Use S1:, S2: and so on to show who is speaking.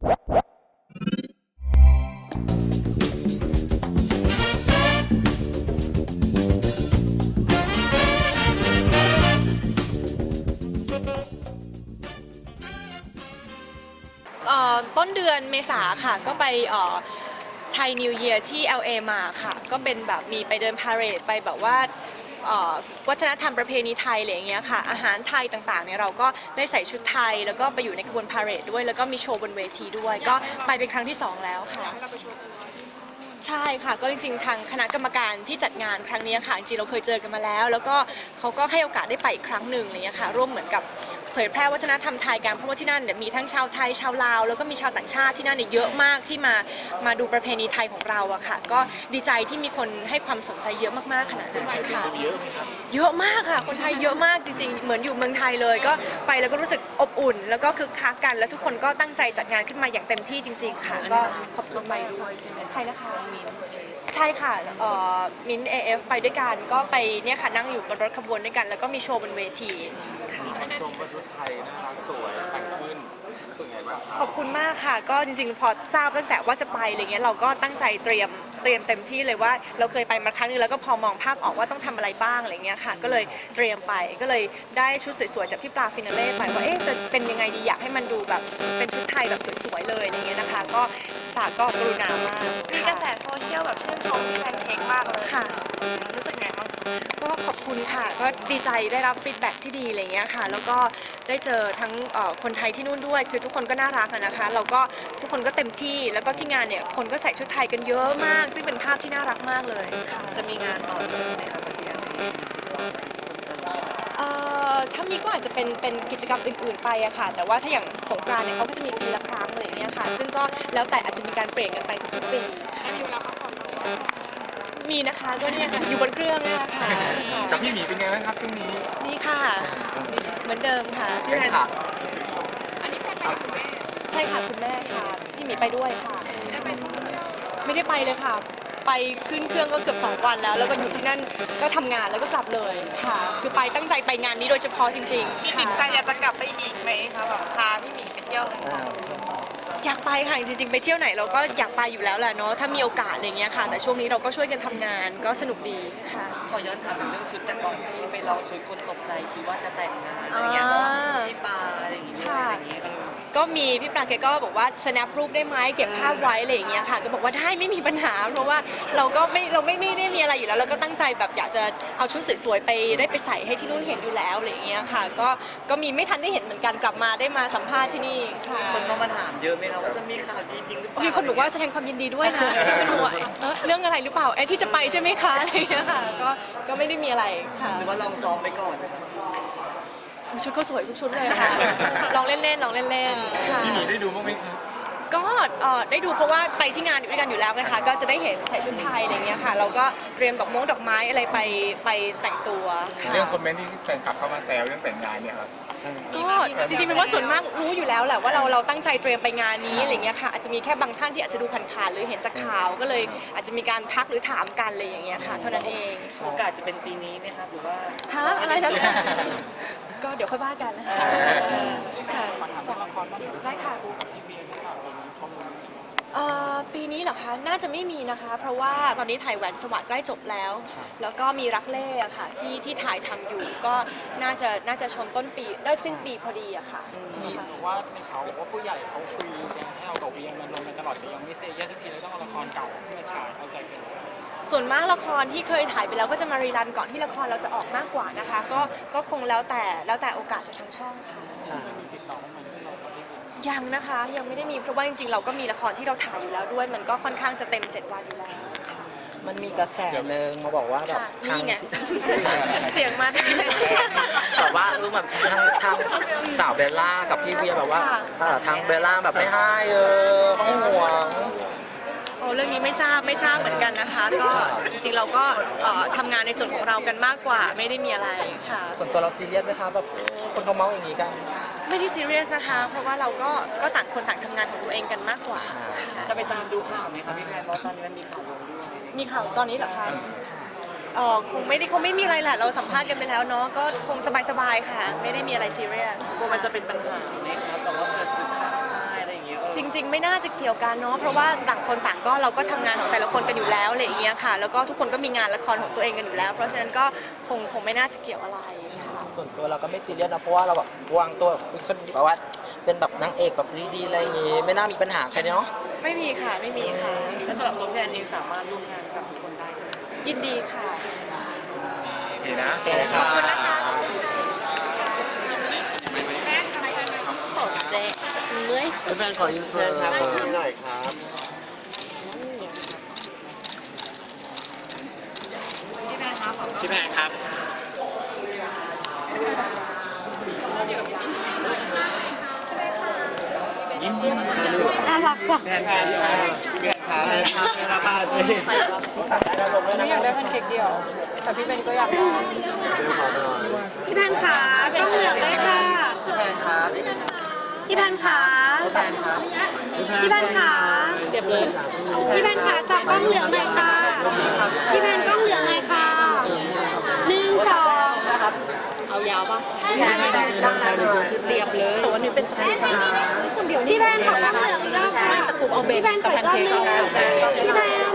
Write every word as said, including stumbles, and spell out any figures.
S1: ต้นเดือนเมษาค่ะก็ไปไทยนิวเยียร์ที่ แอล เอ มาค่ะก็เป็นแบบมีไปเดินพาเหรดไปแบบว่าวัฒนธรรมประเพณีไทยอะไรอย่างเงี้ยค่ะอาหารไทยต่างๆเนี่ยเราก็ได้ใส่ชุดไทยแล้วก็ไปอยู่ในขบวนพาเหรดด้วยแล้วก็มีโชว์บนเวทีด้วยก็ไปเป็นครั้งที่สองแล้วค่ะใช่ค่ะก็จริงๆทางคณะกรรมการที่จัดงานครั้งนี้ค่ะจริงๆเราเคยเจอกันมาแล้วแล้วก็เขาก็ให้โอกาสได้ไปอีกครั้งหนึ่งอะไรเงี้ยค่ะร่วมเหมือนกับเผยแพร่วัฒนธรรมไทยกันเพราะว่าที่นั่นเนี่ยมีทั้งชาวไทยชาวลาวแล้วก็มีชาวต่างชาติที่นั่นเนี่ยเยอะมากที่มามาดูประเพณีไทยของเราอะค่ะก็ดีใจที่มีคนให้ความสนใจเยอะมากๆขนาดนั้นค่ะเยอะมากค่ะคนไทยเยอะมากจริงๆเหมือนอยู่เมืองไทยเลยก็ไปแล้วก็รู้สึกอบอุ่นแล้วก็คึกคักกันแล้วทุกคนก็ตั้งใจจัดงานขึ้นมาอย่างเต็มที่จริงๆค่ะก็ขอบคุณไปด้วยใครนะคะใช่ค่ะมิ้นเอเอฟไปด้วยกันก็ไปเนี่ยค่ะนั่งอยู่บนรถขบวนด้วยกันแล้วก็มีโชว์บนเวที
S2: ชมว่าชุดไทยน่ารักสวยแต่งขึ้นรู้สึกไงบ้าง
S1: ขอบคุณมากค่ะก็จริงๆพอทราบตั้งแต่ว่าจะไปอะไรเงี้ยเราก็ตั้งใจเตรียมเตรียมเต็มที่เลยว่าเราเคยไปมาครั้งนึงแล้วก็พอมองภาพออกว่าต้องทำอะไรบ้างอะไรเงี้ยค่ะก็เลยเตรียมไปก็เลยได้ชุดสวยๆจากพี่ปลาฟินาเล่ไปว่าเอ๊ะจะเป็นยังไงดีอยากให้มันดูแบบเป็นชุดไทยแบบสวยๆเลยอย่างเงี้ยนะคะก็ปลาก็กรุณามาก
S3: มีกระแสโซเชียลแบบชื่นชมพี่แพนเค้กมากเลย
S1: ค่ะ
S3: รู้สึกไงบ้าง
S1: ก็ขอบคุณค่ะก็ดีใจได้รับฟีดแบ็กที่ดีอะไรเงี้ยค่ะแล้วก็ได้เจอทั้งคนไทยที่นู่นด้วยคือทุกคนก็น่ารักนะคะเราก็ทุกคนก็เต็มที่แล้วก็ที่งานเนี่ยคนก็ใส่ชุดไทยกันเยอะมากซึ่งเป็นภาพที่น่ารักมากเลยค่ะ
S3: จะมีงานต่อเนื่องไหมคะที่งานนี้
S1: ถ้ามีก็อาจจะเป็นเป็นกิจกรรมอื่นๆไปอะค่ะแต่ว่าถ้าอย่างสงกรานต์เนี่ยเขาก็จะมีปีละครั้งอะไรอย่างเงี้ยค่ะซึ่งก็แล้วแต่อาจจะมีการเปลี่ยนกันไปทุกๆปี
S3: มีเวลาพักผ่อน
S1: มีนะคะก็เนี่ยค่ะอยู่บนเครื่องเนี่ยค่ะ
S2: กับพี่หมีเป็นไงบ้างครับช่วงนี้
S1: นี่ค่ะเหมือนเดิมค่ะ
S2: พี่แพนค่ะ
S3: อันนี้ใช่ไหมคุณแม่
S1: ใช่ค่ะคุณแม่ค่ะพี่หมีไปด้วยค่ะไม่ได้ไปเลยค่ะไปขึ้นเครื่องก็เกือบสองวันแล้วแล้วก็อยู่ที่นั่นก็ทำงานแล้วก็กลับเลยค่ะคือไปตั้งใจไปงานนี้โดยเฉพาะจริงๆ
S3: ติดใจอยากจะกลับไปอีกไหมคะแบบพาพี่หมีไปเที่ยว
S1: อยากไปค่ะจริงๆไปเที่ยวไหนเราก็อยากไปอยู่แล้วแหละเนาะถ้ามีโอกาสอะไรเงี้ยค่ะแต่ช่วงนี้เราก็ช่วยกันทำงานก็สนุกดีค่ะ
S3: ขอย้อนถามถึงเรื่องชุดแต่ก่อนที่ไปลองชุดคนตกใจคิดว่าจะแต่งงานอะไรเงี้ยพี่ปาอะไรอย่างเงี้ยอะไรอย่างเงี้ย
S1: ก็มีพี่ปลาแกก็บอกว่า snap รูปได้ไหมเก็บภาพไว้อะไรอย่างเงี้ยค่ะก็บอกว่าได้ไม่มีปัญหาเพราะว่าเราก็ไม่เราไม่ไม่ได้มีอะไรอยู่แล้วเราก็ตั้งใจแบบอยากจะเอาชุดสวยๆไปได้ไปใส่ให้ที่นู่นเห็นอยู่แล้วอะไรอย่างเงี้ยค่ะก็ก็มีไม่ทันได้เห็นเหมือนกันกลับมาได้มาสัมภาษณ์ที่นี่ค่ะ
S3: คนเข้ามาถามเยอะไหมคะว่าจะมีข่าวดีจริงหรือเปล่า
S1: มีคนบอกว่าแสดงความยินดีด้วยนะไม่รู้เรื่องอะไรหรือเปล่าไอ้ที่จะไปใช่ไหมคะอะไรอย่างเงี้ยค่ะก็ก็ไม่ได้มีอะไรค่ะ
S3: หรือว่าลองซ้อมไปก่อน
S1: ชุดเขาสวยทุกชุดเลยค่ะลองเล่นๆลองเล่นๆค่ะ
S2: พี่หมีได้ดูบ้างไหม
S1: ก็ได้ดูเพราะว่าไปที่งานด้วยกันอยู่แล้วนะคะก็จะได้เห็นใส่ชุดไทยอะไรเงี้ยค่ะเราก็เตรียมดอกม้งดอกไม้อะไรไปไปแต่งตัว
S2: เรื่องคอมเมนต์ที่แฟนคลับเข้ามาแซวเรื่องแต่งงานเนี่ยครับ
S1: ก็จริงๆเป็นว่าส่วนมากรู้อยู่แล้วแหละว่าเราเราตั้งใจเตรียมไปงานนี้อะไรเงี้ยค่ะอาจจะมีแค่บางท่านที่อาจจะดูผ่านๆหรือเห็นจากข่าวก็เลยอาจจะมีการทักหรือถามกันอะไรอย่างเงี้ยค่ะเท่านั้นเอง
S3: โอกาสจะเป็นปีนี้ไหมครับหรือว่า
S1: ฮะอะไรนะก็เดี๋ยวค่อยว่ากันนะคะค่ะได้ค่ะปีนี้เหรอคะน่าจะไม่มีนะคะเพราะว่าตอนนี้ถ่ายแหวนสวัสดิ์ใกล้จบแล้วแล้วก็มีรักเล่อะค่ะที่ที่ถ่ายทำอยู่ก็น่าจะน่าจะชนต้นปีได้สิ้นปีพอดีอะค่ะ
S4: มีบอกว่าในเขาบอกว่าผู้ใหญ่เขาคุยยังให้เอาดอกเบี้ยเงินลงไปตลอดแต่ยังไม่เซ็นแยกสักทีเลยต้องเอาละครเก่าที่มาฉายเข้าใจกัน
S1: ส่วนมากละครที่เคยถ่ายไปแล้วก็จะมารีรันก่อนที่ละครเราจะออกมากกว่านะคะก็ก็คงแล้วแต่แล้วแต่โอกาสจากทางช่องค่ะยังนะคะยังไม่ได้มีเพราะว่าจริงๆเราก็มีละครที่เราถ่ายอยู่แล้วด้วยมันก็ค่อนข้างจะเต็มเจ็ดวันอยู่แล้ว
S5: มันมีกระแสหนึ่งมาบอกว่าแบบ
S1: ทางเสียงมาที่ไหน
S5: แบบว่ารู้แบบทางทางสาวเบลล่ากับพี่เวียแบบว่าทางเบลล่าแบบไม่ให้เออเขาห่วง
S1: โอ้เรื่องนี้ไม่ทราบไม่ทราบเหมือนกันนะคะก็จริงๆเราก็ทำงานในส่วนของเรากันมากกว่าไม่ได้มีอะไรค่ะ
S5: ส่วนตัวเราซีเรียสไหมคะแบบคนเขาเมาอย่างนี้กัน
S1: ไม่ได้ซีเรียสนะคะเพราะว่าเราก็ก็ต่างคนต่างทำงานของตัวเองกันมากกว่า
S3: จะไปตามดูข่าวไหมคะพี่แพนเพราะตอนนี้มันมีข่าวลงด้วย
S1: มีข่าวตอนนี้เหรอคะเออคงไม่ได้คงไม่มีอะไรแหละเราสัมภาษณ์กันไปแล้วเนาะก็คงสบายๆค่ะไม่ได้มีอะไรซีเรียส
S3: กลัวมันจะเป็นปัญหาไหมครับแต่ว่าเกิดสึกข้ามค่ายอะไรอย่างเงี้ย
S1: จริงๆไม่น่าจะเกี่ยวกันเนาะเพราะว่าต่างคนต่างก็เราก็ทำงานของแต่ละคนกันอยู่แล้วอะไรอย่างเงี้ยค่ะแล้วก็ทุกคนก็มีงานละครของตัวเองกันอยู่แล้ว เพราะฉะนั้นก็คงคงไม่น่าจะเกี่ยวอะไรค่ะ
S5: ส่วนตัวเราก็ไม่ซีเรียสนะเพราะว่าเราแบบวางตัวเป็นคนแบบว่าเป็นแบบนางเอกแบบดีๆอะไรอย่างงี้ไม่น่ามีปัญหาใครเนาะ
S1: ไม่มีค่ะไม่มีค่ะ
S3: แล้วสำหรับตัวพี่แอนเองสามารถร่วมงานกับทุกคนได้ใช่ไหม
S1: ยินดีค่ะ
S2: โอเคนะ
S5: โอเคค่ะ
S1: เจ๊เมื่อยสุด
S6: แฟนขอยืมเชิญครับขอยืมหน่อยครับ
S2: พี่แพนครับ
S1: น่ารักจัง
S6: แฟนครับแฟนครับแฟนครับแฟนครับ
S3: ไม่อยากได้แพนเค้กเดียว แต่พี่เบนก็อยากได้
S7: พี่แพนขากล้องเหลืองด้วยค่ะ
S3: พี่แพนครับ
S7: พี่แพนขา
S3: พี่แพนครับ
S7: พี่แพนขา
S3: เสียบเลย
S7: พี่แพนขาจับกล้องเหลืองหน่อยค่ะ พี่แพนกล้องเหลืองหน่อยค่ะหนึ่งสอง
S3: เอายาวปะ
S7: พี่แพน
S3: เสียบเลยแต่วันนี้เป็น
S7: คนเดียวพี่แพนขอกล้องเหลืองอีกรอบค่ะพี่แพนขออีกรอบหนึงพี่แพน